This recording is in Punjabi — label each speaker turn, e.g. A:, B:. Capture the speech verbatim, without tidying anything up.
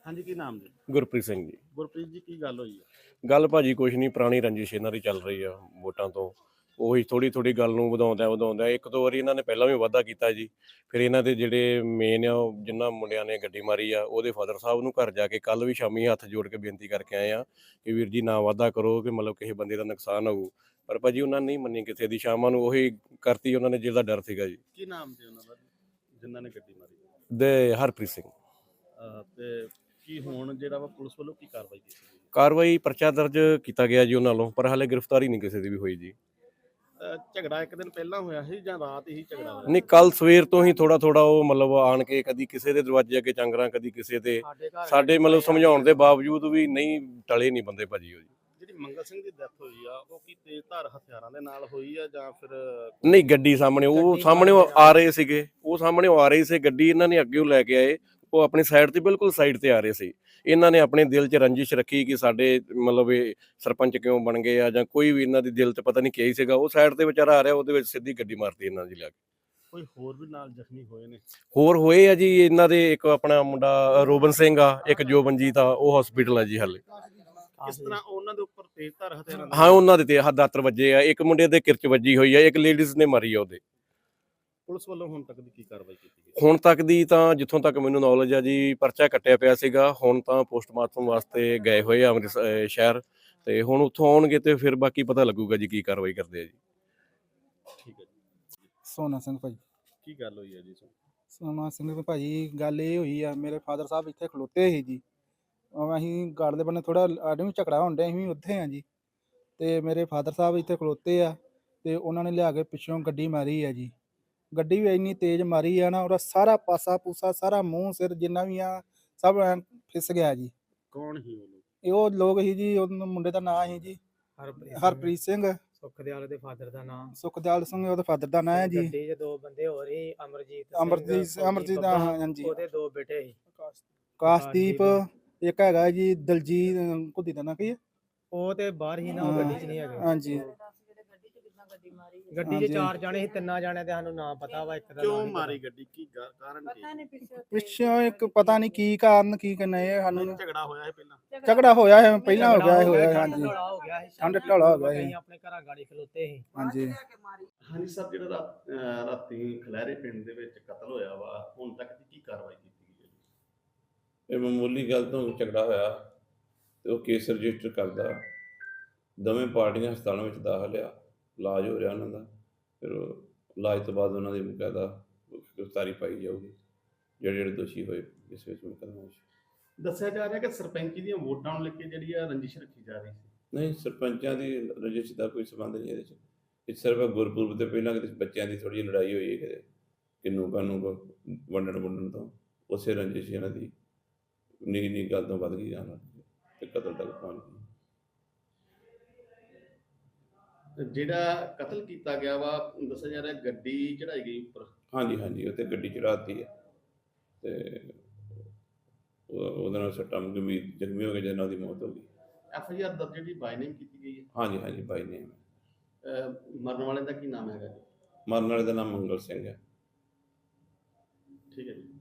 A: ਹਾਂਜੀ, ਕੀ ਨਾਮ ਜੀ?
B: ਗੁਰਪ੍ਰੀਤ ਸਿੰਘ ਜੀ।
A: ਗੁਰਪ੍ਰੀਤ ਜੀ, ਕੀ ਗੱਲ ਹੋਈ ਹੈ?
B: ਗੱਲ ਭਾਜੀ ਕੁਛ ਨਹੀਂ, ਪੁਰਾਣੀ ਰੰਜਿਸ਼ ਇਹਨਾਂ ਦੀ ਚੱਲ ਰਹੀ ਆ ਵੋਟਾਂ ਤੋਂ। ਉਹੀ ਥੋੜ੍ਹੀ ਥੋੜ੍ਹੀ ਗੱਲ ਨੂੰ ਵਧਾਉਂਦਾ ਵਧਾਉਂਦਾ ਇੱਕ ਦੋ ਵਾਰੀ ਇਹਨਾਂ ਨੇ ਪਹਿਲਾਂ ਵੀ ਵਾਅਦਾ ਕੀਤਾ ਜੀ। ਫਿਰ ਇਹਨਾਂ ਦੇ ਜਿਹੜੇ ਮੇਨ ਆ, ਉਹ ਜਿਨ੍ਹਾਂ ਮੁੰਡਿਆਂ ਨੇ ਗੱਡੀ ਮਾਰੀ ਆ, ਉਹਦੇ ਫਾਦਰ ਸਾਹਿਬ ਨੂੰ ਘਰ ਜਾ ਕੇ ਕੱਲ੍ਹ ਵੀ ਸ਼ਾਮੀ ਹੱਥ ਜੋੜ ਕੇ ਬੇਨਤੀ ਕਰਕੇ ਆਏ ਆ ਕਿ ਵੀਰ ਜੀ ਨਾ ਵਾਅਦਾ ਕਰੋ ਕਿ ਮਤਲਬ ਕਿਸੇ ਬੰਦੇ ਦਾ ਨੁਕਸਾਨ ਹੋਊ। ਪਰ ਭਾਜੀ ਉਹਨਾਂ ਨੇ ਨਹੀਂ ਮੰਨੀ ਕਿਸੇ ਦੀ। ਸ਼ਾਮਾਂ ਨੂੰ ਉਹੀ ਕਰਤੀ ਉਹਨਾਂ ਨੇ ਜਿਹਦਾ ਡਰ ਸੀਗਾ ਜੀ।
A: ਕੀ ਨਾਮ ਸੀ ਉਹਨਾਂ ਦਾ ਜਿਨ੍ਹਾਂ ਨੇ ਗੱਡੀ ਮਾਰੀ?
B: ਦੇ ਹਰਪ੍ਰੀਤ ਸਿੰਘ।
A: ਅਹ ਤੇ ਕੀ ਹੁਣ ਜਿਹੜਾ ਵਾ ਪੁਲਿਸ ਵੱਲੋਂ ਕੀ ਕਾਰਵਾਈ ਕੀਤੀ ਗਈ?
B: ਕਾਰਵਾਈ ਪਰਚਾ ਦਰਜ ਕੀਤਾ ਗਿਆ ਜੀ ਉਹਨਾਂ ਵੱਲੋਂ, ਪਰ ਹਾਲੇ ਗ੍ਰਿਫਤਾਰੀ ਨਹੀਂ ਕਿਸੇ ਦੀ ਵੀ ਹੋਈ ਜੀ।
A: ਅਹ ਝਗੜਾ ਇੱਕ ਦਿਨ ਪਹਿਲਾਂ ਹੋਇਆ ਸੀ ਜਾਂ ਰਾਤ ਹੀ ਝਗੜਾ ਹੋਇਆ?
B: ਨਹੀਂ, ਕੱਲ ਸਵੇਰ ਤੋਂ ਹੀ ਥੋੜਾ ਥੋੜਾ ਉਹ ਮਤਲਬ ਆਣ ਕੇ ਕਦੀ ਕਿਸੇ ਦੇ ਦਰਵਾਜ਼ੇ ਅੱਗੇ ਚੰਗਰਾਂ, ਕਦੀ ਕਿਸੇ ਦੇ। ਸਾਡੇ ਮਤਲਬ ਸਮਝਾਉਣ ਦੇ ਬਾਵਜੂਦ ਵੀ ਨਹੀਂ ਟਲੇ ਨਹੀਂ ਬੰਦੇ ਭਾਜੀ। ਉਹ ਜੀ
A: ਜਿਹੜੀ ਮੰਗਲ ਸਿੰਘ ਦੀ ਡੈਥ ਹੋਈ ਆ, ਉਹ ਕੀ ਤੇਜ਼ ਧਾਰ ਹਥਿਆਰਾਂ ਦੇ ਨਾਲ ਹੋਈ ਆ ਜਾਂ ਫਿਰ?
B: ਨਹੀਂ, ਗੱਡੀ ਸਾਹਮਣੇ ਉਹ ਸਾਹਮਣੇ ਉਹ ਆ ਰਹੇ ਸੀਗੇ, ਉਹ ਸਾਹਮਣੇ ਉਹ ਆ ਰਹੀ ਸੀ ਗੱਡੀ, ਇਹਨਾਂ ਨੇ ਅੱਗੇ ਲੈ ਕੇ ਆਏ। ਉਹ ਆਪਣੀ ਸਾਈਡ ਤੇ ਬਿਲਕੁਲ ਸਾਈਡ ਤੇ ਆ ਰਹੇ ਸੀ। ਇਹਨਾਂ ਨੇ ਆਪਣੇ ਦਿਲ 'ਚ ਰੰਜਿਸ਼ ਰੱਖੀ ਕਿ ਸਾਡੇ ਮਤਲਬ ਇਹ ਸਰਪੰਚ ਕਿਉਂ ਬਣ ਗਏ ਆ ਜਾਂ ਕੋਈ ਵੀ ਇਹਨਾਂ ਦੀ ਦਿਲ 'ਚ ਪਤਾ ਨਹੀਂ ਕੀ ਸੀਗਾ। ਉਹ ਸਾਈਡ ਤੇ ਵਿਚਾਰਾ ਆ ਰਿਹਾ, ਉਹਦੇ ਵਿੱਚ ਸਿੱਧੀ ਗੱਡੀ ਮਾਰਤੀ ਇਹਨਾਂ ਦੀ ਲਿਆ ਕੇ।
A: ਕੋਈ ਹੋਰ ਵੀ ਨਾਲ ਜ਼ਖਮੀ ਹੋਏ ਨੇ?
B: ਹੋਰ ਹੋਏ ਆ ਜੀ ਇਹਨਾਂ ਦੇ, ਇੱਕ ਆਪਣਾ ਮੁੰਡਾ ਰੋਬਨ ਸਿੰਘ ਆ, ਇੱਕ ਜੋਬਨਜੀਤ ਆ, ਉਹ ਹਸਪੀਟਲ ਆ ਜੀ ਹਾਲੇ।
A: ਕਿਸ ਤਰ੍ਹਾਂ ਉਹਨਾਂ ਦੇ ਉੱਪਰ ਤੇਜ਼ ਧਾਰ ਹਥਿਆਰਾਂ?
B: ਹਾਂ, ਉਹਨਾਂ ਦੇ ਤੇ ਹੱਥ ਦਾਤਰ ਵੱਜੇ ਆ। ਇੱਕ ਮੁੰਡੇ ਦੇ ਕਿਰਚ ਵੱਜੀ ਹੋਈ ਆ, ਇੱਕ ਲੇਡੀਜ਼ ਨੇ ਮਾਰੀ ਆ ਉਹਦੇ।
A: ਪੁਲਿਸ ਵੱਲੋਂ ਹੁਣ ਤੱਕ ਦੀ ਕੀ ਕਾਰਵਾਈ ਕੀਤੀ ਗਈ?
B: ਹੁਣ ਤੱਕ ਦੀ ਤਾਂ ਜਿੱਥੋਂ ਤੱਕ ਮੈਨੂੰ ਨੌਲੇਜ ਆ ਜੀ, ਪਰਚਾ ਕੱਟਿਆ ਪਿਆ ਸੀਗਾ। ਹੁਣ ਤਾਂ ਪੋਸਟਮਾਰਟਮ ਵਾਸਤੇ ਗਏ ਹੋਏ ਆ ਅੰਮ੍ਰਿਤਸਰ ਸ਼ਹਿਰ, ਤੇ ਹੁਣ ਉੱਥੋਂ ਆਉਣਗੇ ਤੇ ਫਿਰ ਬਾਕੀ ਪਤਾ ਲੱਗੂਗਾ ਜੀ ਕੀ ਕਾਰਵਾਈ ਕਰਦੇ ਆ ਜੀ।
A: ਠੀਕ ਹੈ ਜੀ।
C: ਸੋਨਾ ਸਿੰਘ ਭਾਜੀ।
A: ਕੀ ਗੱਲ ਹੋਈ ਹੈ ਜੀ?
C: ਸੋਨਾ ਸਿੰਘ ਭਾਜੀ, ਗੱਲ ਇਹ ਹੋਈ ਆ, ਮੇਰੇ ਫਾਦਰ ਸਾਹਿਬ ਇੱਥੇ ਖਲੋਤੇ ਸੀ ਜੀ। ਅਸੀਂ ਗੜ ਦੇ ਬੰਨੇ ਥੋੜਾ ਆਡੇ ਵੀ ਝਗੜਾ ਹੋਣ ਡਿਆ, ਅਸੀਂ ਵੀ ਉੱਥੇ ਆ ਜੀ। ਤੇ ਮੇਰੇ ਫਾਦਰ ਸਾਹਿਬ ਇੱਥੇ ਖਲੋਤੇ ਆ ਤੇ ਉਹਨਾਂ ਨੇ ਲਿਆ ਕੇ ਪਿੱਛੋਂ ਗੱਡੀ ਮਾਰੀ ਆ ਜੀ। ਗੱਡੀ ਵੀ ਇੰਨੀ ਤੇਜ਼ ਮਾਰੀ ਆ ਨਾ, ਉਹਦਾ ਸਾਰਾ ਪਾਸਾ ਪੂਸਾ, ਸਾਰਾ ਮੂੰਹ ਸਿਰ ਜਿੰਨਾ ਵੀ ਆ, ਸਭ ਐਂ ਫਿਸ ਗਿਆ ਜੀ।
A: ਕੌਣ ਸੀ ਉਹ ਲੋਕ?
C: ਇਹ ਉਹ ਲੋਕ ਸੀ ਜੀ, ਉਹ ਮੁੰਡੇ ਦਾ ਨਾਂ ਸੀ ਜੀ ਹਰਪ੍ਰੀਤ ਸਿੰਘ।
D: ਸੁਖਦਿਆਲ ਦੇ ਫਾਦਰ ਦਾ ਨਾਮ
C: ਸੁਖਦਿਆਲ ਸਿੰਘ ਉਹਦੇ ਫਾਦਰ ਦਾ ਨਾਂ ਹੈ ਜੀ।
D: ਗੱਡੀ 'ਚ ਦੋ ਬੰਦੇ ਹੋਰ ਸੀ, ਅਮਰਜੀਤ
C: ਅਮਰਜੀਤ ਅਮਰਜੀਤ ਦਾ, ਹਾਂਜੀ।
D: ਉਹਦੇ ਦੋ ਬੇਟੇ ਸੀ,
C: ਕਾਸ਼ਦੀਪ, ਇੱਕ ਹੈਗਾ ਜੀ ਦਲਜੀਤ, ਕੁੱਦੀ ਦਾ ਨਾਂ ਕੀ ਹੈ?
D: ਉਹ ਤੇ ਬਾਹਰ ਹੀ ਨਾ, ਉਹ ਗੱਡੀ 'ਚ ਨਹੀਂ ਹੈਗੇ।
C: ਹਾਂਜੀ,
D: ਗੱਡੀ 'ਚ ਚਾਰ ਜਾਣੇ ਸੀ, ਤਿੰਨਾਂ ਜਾਣਿਆਂ ਦੇ ਸਾਨੂੰ ਨਾਂ ਪਤਾ ਵਾ। ਇੱਕ ਦਾ
A: ਕਿਉਂ ਮਾਰੀ ਗੱਡੀ? ਕੀ ਕਾਰਨ ਕੀ?
C: ਪਿੱਛੋਂ ਇੱਕ ਪਤਾ ਨਹੀਂ ਕੀ ਕਾਰਨ ਕੀ ਕਰਨਾ, ਇਹ ਸਾਨੂੰ
A: ਝਗੜਾ ਹੋਇਆ ਹੈ ਪਹਿਲਾਂ?
C: ਝਗੜਾ ਹੋਇਆ ਹੈ ਪਹਿਲਾਂ, ਹੋ ਗਿਆ ਹੋਇਆ, ਹਾਂਜੀ।
D: ਹੋ ਗਿਆ ਸੀ,
C: ਠੰਡ ਢੋਲਾ ਹੋ ਗਿਆ ਸੀ।
D: ਅਸੀਂ ਆਪਣੇ ਘਰਾਂ ਗਾੜੀ ਖਲੋਤੇ ਸੀ।
C: ਹਾਂਜੀ
A: ਹਾਂਜੀ ਸਰ, ਜਿਹੜਾ ਰਾਤ- ਅਹ ਰਾਤੀ ਖਲੈਰੇ ਪਿੰਡ ਦੇ ਵਿੱਚ ਕਤਲ ਹੋਇਆ ਵਾ, ਹੁਣ ਤੱਕ ਦੀ ਕੀ ਕਾਰਵਾਈ ਕੀਤੀ ਗਈ ਹੈ ਜੀ?
E: ਇਹ ਮਾਮੂਲੀ ਗੱਲ ਤੋਂ ਝਗੜਾ ਹੋਇਆ ਤੇ ਉਹ ਕੇਸ ਰਜਿਸਟਰ ਕਰਦਾ। ਦੋਵੇਂ ਪਾਰਟੀਆਂ ਹਸਪਤਾਲਾਂ ਵਿੱਚ ਦਾਖਲ ਆ, ਇਲਾਜ ਹੋ ਰਿਹਾ ਉਹਨਾਂ ਦਾ। ਫਿਰ ਉਹ ਇਲਾਜ ਤੋਂ ਬਾਅਦ ਉਹਨਾਂ ਦੀ ਬਕਾਇਦਾ ਗ੍ਰਿਫਤਾਰੀ ਪਾਈ ਜਾਊਗੀ, ਜਿਹੜੇ ਜਿਹੜੇ ਦੋਸ਼ੀ ਹੋਏ ਇਸ ਵਿੱਚ ਮੁਕੱਦਮੇ ਵਿੱਚ।
A: ਦੱਸਿਆ ਜਾ ਰਿਹਾ ਕਿ ਸਰਪੰਚੀ ਦੀਆਂ ਵੋਟਾਂ ਨੂੰ ਲੈ ਕੇ ਜਿਹੜੀ ਆ ਰੰਜਿਸ਼ ਰੱਖੀ ਜਾ ਰਹੀ ਸੀ।
E: ਨਹੀਂ, ਸਰਪੰਚਾਂ ਦੀ ਰਜਿਸਟਰ ਦਾ ਕੋਈ ਸੰਬੰਧ ਨਹੀਂ ਇਹਦੇ 'ਚ। ਇਹ ਸਿਰਫ ਗੁਰਪੁਰਬ ਤੋਂ ਪਹਿਲਾਂ ਕਿਤੇ ਬੱਚਿਆਂ ਦੀ ਥੋੜ੍ਹੀ ਜਿਹੀ ਲੜਾਈ ਹੋਈ ਹੈ, ਕਿਤੇ ਕਿੰਨੂ ਕਾਨੂੰ ਵੰਡਣ ਵੰਡਣ ਤੋਂ, ਉਸੇ ਰੰਜਿਸ਼ ਇਹਨਾਂ ਦੀ ਨਿੱਕੀ ਨਿੱਕੀ ਗੱਲ ਤੋਂ ਵੱਧ ਗਈ ਜਾਣਾ ਤੇ ਕਤਲ ਤੱਕ ਪਹੁੰਚ ਗਈ।
A: ਜਿਹੜਾ ਕਤਲ ਕੀਤਾ ਗਿਆ ਵਾ, ਦੱਸਿਆ ਜਾ ਰਿਹਾ ਗੱਡੀ ਚੜਾਈ ਗਈ ਉੱਪਰ।
E: ਹਾਂਜੀ ਹਾਂਜੀ, ਉੱਥੇ ਗੱਡੀ ਚੜਾਤੀ ਹੈ ਤੇ ਉਹਦੇ ਨਾਲ ਸੱਟਾਂ ਗੰਭੀਰ ਜ਼ਖਮੀ ਹੋ ਗਏ, ਜਿਹਨਾਂ ਦੀ ਮੌਤ ਹੋ ਗਈ।
A: ਐਫ ਆਈ ਆਰ ਦਰਜ ਜਿਹੜੀ ਬਾਈ ਨੇਮ ਕੀਤੀ ਗਈ ਹੈ?
E: ਹਾਂਜੀ ਹਾਂਜੀ, ਬਾਈ ਨੇਮ।
A: ਮਰਨ ਵਾਲੇ ਦਾ ਕੀ ਨਾਮ ਹੈਗਾ ਜੀ?
E: ਮਰਨ ਵਾਲੇ ਦਾ ਨਾਮ ਮੰਗਲ ਸਿੰਘ ਹੈ।
A: ਠੀਕ ਹੈ ਜੀ।